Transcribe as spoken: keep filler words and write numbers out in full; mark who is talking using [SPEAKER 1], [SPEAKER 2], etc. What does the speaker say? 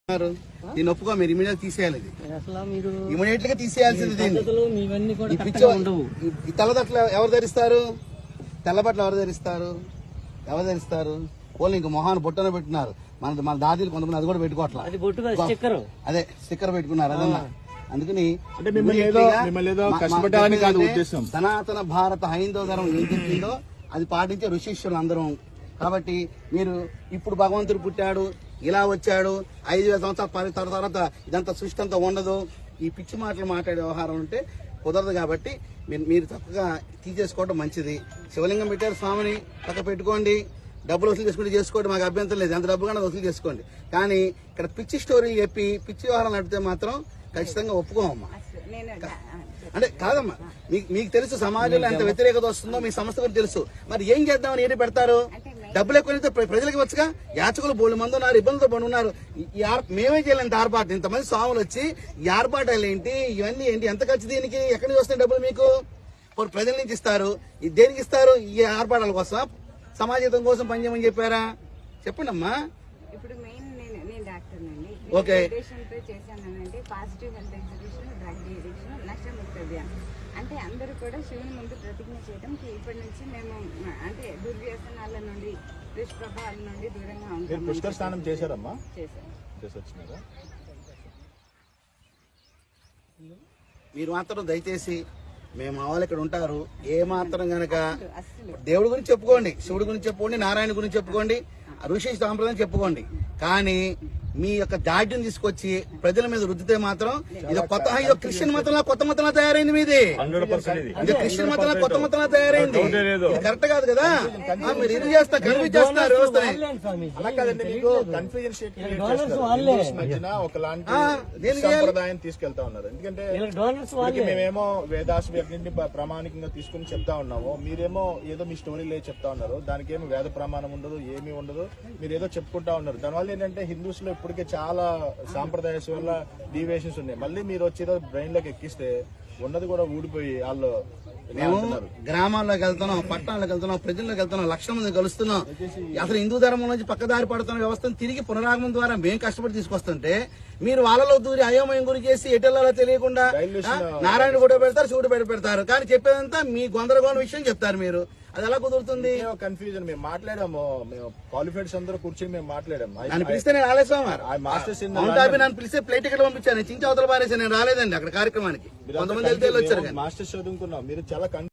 [SPEAKER 1] దీన్ని ఒప్పుకో మీరు ఇమీడియట్ తీసేయాలి.
[SPEAKER 2] అసలు మీరు
[SPEAKER 1] ఇమీడియట్ గా తీసేయాల్సింది దీన్ని.
[SPEAKER 2] ఇవన్నీ కూడా
[SPEAKER 1] ఈ పిచ్చి ఈ తెల్లబట్టలు ఎవరు ధరిస్తారు? తెల్లబట్టలు ఎవరు ధరిస్తారు? ఎవరు ధరిస్తారు? వాళ్ళు ఇంక మొహాన్ని బొట్టన పెట్టినారు. మన మన దాదీలు కొంతమంది అది కూడా పెట్టుకోవట్లేదు. అదే స్టిక్కర్ పెట్టుకున్నారు. అదన్నా అందుకని సనాతన భారత హైందవ ధర్మం ఏం చెప్పిందో అది పాటించే ఋషీశ్వరులు అందరం. కాబట్టి మీరు ఇప్పుడు భగవంతుడు పుట్టాడు, ఇలా వచ్చాడు, ఐదు వేల సంవత్సరాల తర్వాత ఇదంతా సృష్టి అంతా ఉండదు, ఈ పిచ్చి మాటలు మాట్లాడే వ్యవహారం ఉంటే కుదరదు. కాబట్టి మీరు మీరు చక్కగా తీసేసుకోవడం మంచిది. శివలింగం పెట్టారు, స్వామిని పక్క పెట్టుకోండి, డబ్బులు వసూలు చేసుకుంటే చేసుకోండి, మాకు అభ్యంతరం లేదు. ఎంత డబ్బు కన్నా వసూలు చేసుకోండి. కానీ ఇక్కడ పిచ్చి స్టోరీ చెప్పి పిచ్చి వ్యవహారం నడిపితే మాత్రం ఖచ్చితంగా ఒప్పుకోమమ్మా. అంటే కాదమ్మా, మీకు మీకు తెలుసు సమాజంలో ఎంత వ్యతిరేకత వస్తుందో మీ సంస్థ కూడా తెలుసు. మరి ఏం చేద్దామని ఏంటి పెడతారు? డబ్బులు ఎక్కువైతే ప్రజలకు వచ్చుగా. యాచకులు బోళ్ళు మంది ఉన్నారు, ఇబ్బందులతో పడి ఉన్నారు. మేమే చేయలేంత ఆర్పాటు, ఇంతమంది స్వాములు వచ్చి ఈ ఆర్పాటాలు ఏంటి, ఇవన్నీ ఏంటి, ఎంత ఖర్చు దీనికి? ఎక్కడి నుంచి వస్తాయి డబ్బులు మీకు? ప్రజల నుంచి ఇస్తారు. దేనికి ఇస్తారు? ఈ ఆర్పాటాల కోసం, సమాజం కోసం పనిచేయమని చెప్పారా? చెప్పండి అమ్మా.
[SPEAKER 3] ఇప్పుడు మెయిన్ నేను నేను డాక్టర్ అండి.
[SPEAKER 1] ఓకే,
[SPEAKER 3] చేశానంటే positive health exhibition, drug addiction, Nashamukti Abhiyan. అంటే అందరూ కూడా శివుని ముందు ప్రతిజ్ఞ చేయడం ఇప్పటి నుంచి మేము అంటే దుర్వ్యసనాల నుండి, దుష్ప్రభావాల నుండి దూరంగా ఉంటాం.
[SPEAKER 4] పుష్కర స్నానం చేశారమ్మా?
[SPEAKER 3] చేశారు.
[SPEAKER 1] మీరు మాత్రం దయచేసి మేము మా వాళ్ళు ఇక్కడ ఉంటారు. ఏ మాత్రం గనక దేవుడి గురించి చెప్పుకోండి, శివుడి గురించి చెప్పుకోండి, నారాయణ గురించి చెప్పుకోండి, ఋషి సాంప్రదాయం చెప్పుకోండి. కానీ మీ యొక్క దాడ్యం తీసుకొచ్చి ప్రజల మీద రుద్దితే మాత్రం ఇది కొత్త ఇదో క్రిస్టియన్ మతంలో కొత్త మతంలో తయారైంది. మీది ఇది క్రిస్టియన్ మతంలో కొత్త మతంలో తయారైంది. ఇది కరెక్ట్ కాదు కదా. మీరు ఇది చేస్తారు, కన్ఫ్యూజ్ చేస్తున్నారు వ్యవస్థని.
[SPEAKER 4] సంప్రదాయం తీసుకెళ్తా ఉన్నారు. ఎందుకంటే మేమేమో వేదాస్ ప్రామాణికంగా తీసుకుని చెప్తా ఉన్నాము, మీరేమో ఏదో మీ స్టోరీ లేదు చెప్తా ఉన్నారు. దానికి ఏమో వేద ప్రమాణం ఉండదు, ఏమీ ఉండదు, మీరు ఏదో చెప్పుకుంటా ఉన్నారు. దానివల్ల ఏంటంటే హిందూస్ లో ఇప్పటికే చాలా సాంప్రదాయస్ వల్ల డీవియేషన్స్ ఉన్నాయి. మళ్ళీ మీరు వచ్చేదో బ్రెయిన్ లోకి ఎక్కిస్తే ఉన్నది కూడా ఊడిపోయి వాళ్ళు.
[SPEAKER 1] మేము గ్రామాల్లోకి వెళ్తున్నాం, పట్టణాలకు వెళ్తున్నాం, ప్రజల్లోకి వెళ్తున్నాం, లక్షల మంది కలుస్తున్నాం. అసలు హిందూ ధర్మం నుంచి పక్కదారి పడుతున్న వ్యవస్థను తిరిగి పునరాగమనం ద్వారా మేము కష్టపడి తీసుకొస్తుంటే మీరు వాళ్ళలో దూరి అయోమయం గురి చేసి ఎటెల్లాలో తెలియకుండా నారాయణ కూడా పెడతారు, శివుడు బయట పెడతారు. కానీ చెప్పేదంతా మీ గొందరగోళం విషయం చెప్తారు. మీరు అది ఎలా కుదురుతుంది?
[SPEAKER 4] కన్ఫ్యూజన్. మేము మాట్లాడాము, మేము క్వాలిఫైడ్స్ అందరూ కూర్చొని మేము మాట్లాడాము.
[SPEAKER 1] నన్ను పిలిస్తే నేను రాలేదు. నన్ను పిలిస్తే ప్లేట్ టికెట్ పంపించాను, చించి అవతల పారేసి నేను రాలేదండి అక్కడ కార్యక్రమానికి. కొంతమంది వెళ్తే వచ్చారు.
[SPEAKER 4] మాస్టర్స్ చదువుకున్నాం, మీరు చాలా